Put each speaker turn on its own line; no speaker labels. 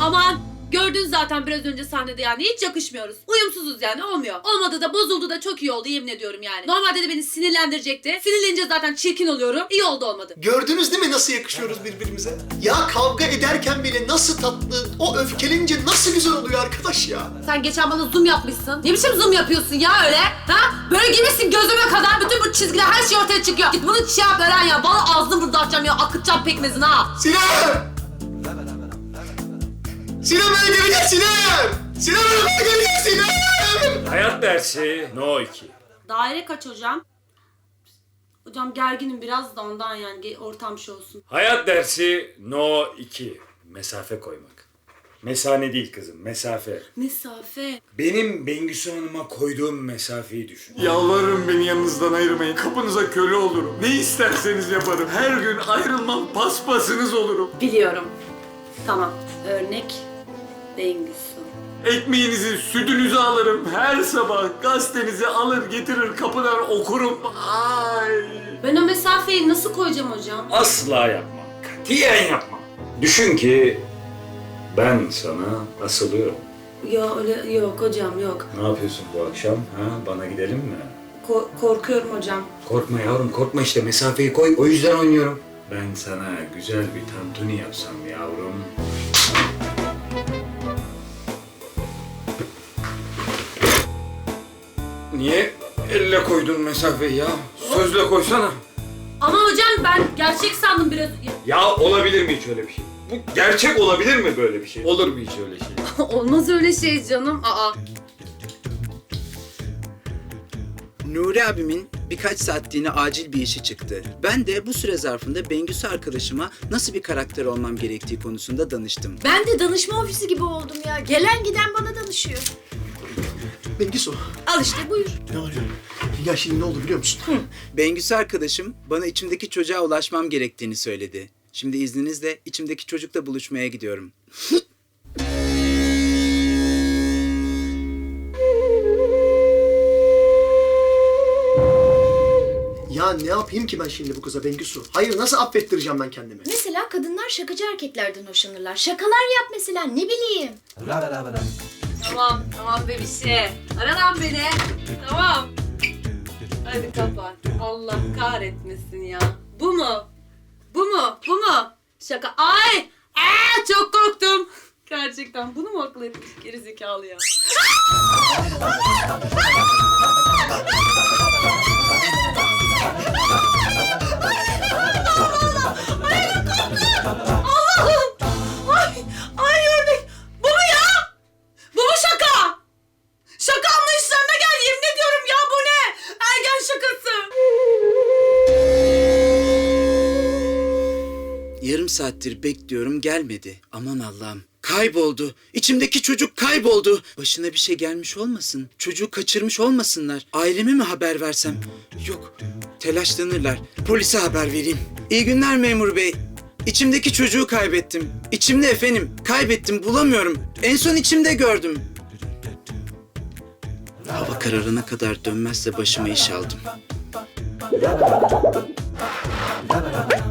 Aman gördün zaten biraz önce sahnede yani hiç yakışmıyoruz. Uyumsuzuz yani olmuyor. Olmadı da bozuldu da çok iyi oldu yemin ediyorum yani. Normalde de beni sinirlendirecekti. Sinirlenince zaten çirkin oluyorum. İyi oldu olmadı.
Gördünüz değil mi nasıl yakışıyoruz birbirimize? Ya kavga ederken bile nasıl tatlı, o öfkelenince nasıl güzel oluyor arkadaş ya.
Sen geçen bana zoom yapmışsın. Ne biçim zoom yapıyorsun ya öyle? Ha? Böyle girmişsin gözüme kadar bütün bu çizgiler her şey ortaya çıkıyor. Git bunu şey yap Eren ya. Vallahi ağzını burada açacağım ya. Akıtacağım pekmezini ha.
Sinem! Sinem bana gelecek Sinem! Sinem bana gelecek Sinem!
Hayat dersi No 2.
Daire kaç hocam? Hocam gerginim biraz da ondan yani ortam şey olsun.
Hayat dersi No 2. Mesafe koymak. Mesane değil kızım, mesafe.
Mesafe.
Benim Bengüsü Hanım'a koyduğum mesafeyi düşün.
Yalvarırım beni yanınızdan ayırmayın. Kapınıza köle olurum. Ne isterseniz yaparım. Her gün ayrılmam paspasınız olurum.
Biliyorum. Tamam. Örnek Bengüsü.
Ekmeğinizi, sütünüzü alırım. Her sabah gazetenizi alır getirir kapıdan okurum. Ay.
Ben o mesafeyi nasıl koyacağım hocam?
Asla yapmam, katiyen yapmam. Düşün ki ben sana asılıyorum.
Ya öyle yok hocam yok.
Ne yapıyorsun bu akşam? Ha? Bana gidelim mi?
Korkuyorum hocam.
Korkma yavrum, korkma işte mesafeyi koy. O yüzden oynuyorum. Ben sana güzel bir tantuni yapsam yavrum. Niye elle koydun mesafeyi ya? Sözle koysana.
Ama hocam ben gerçek sandım biraz.
Ya olabilir mi hiç öyle bir şey? Bu gerçek olabilir mi böyle bir şey? Olur mu hiç öyle şey?
Olmaz öyle şey canım. Aa.
Nuri abimin birkaç saatliğine acil bir işi çıktı. Ben de bu süre zarfında Bengüsü arkadaşıma nasıl bir karakter olmam gerektiği konusunda danıştım.
Ben de danışma ofisi gibi oldum ya. Gelen giden bana danışıyor.
Bengisu,
Al işte buyur.
ne oluyor? Ya şimdi ne oldu biliyor musun?
Bengüsü arkadaşım bana içimdeki çocuğa ulaşmam gerektiğini söyledi. Şimdi izninizle içimdeki çocukla buluşmaya gidiyorum.
Ya ne yapayım ki ben şimdi bu kıza Bengisu? Hayır nasıl affettireceğim ben kendimi?
Mesela kadınlar şakacı erkeklerden hoşlanırlar. Şakalar yap mesela ne bileyim.
Tamam bebişe. Ara lan beni. Tamam. Hadi kapat. Allah kahretmesin ya. Bu mu? Bu mu? Bu mu? Şaka. Ay! Çok korktum. Gerçekten bunu mu akıl etmiş gerizekalı ya? Allah'ım! Ay ördek! Bu mu ya? Bu mu şaka? Şaka anlayışlarına gel yemin ediyorum ya bu ne? Ergen şakası.
Yarım saattir bekliyorum gelmedi. Aman Allah'ım. Kayboldu. İçimdeki çocuk kayboldu. Başına bir şey gelmiş olmasın. Çocuğu kaçırmış olmasınlar. Aileme mi haber versem? Yok. Telaşlanırlar. Polise haber vereyim. İyi günler memur bey. İçimdeki çocuğu kaybettim. İçimde efendim. Kaybettim. Bulamıyorum. En son içimde gördüm. Hava kararına kadar dönmezse başıma iş aldım.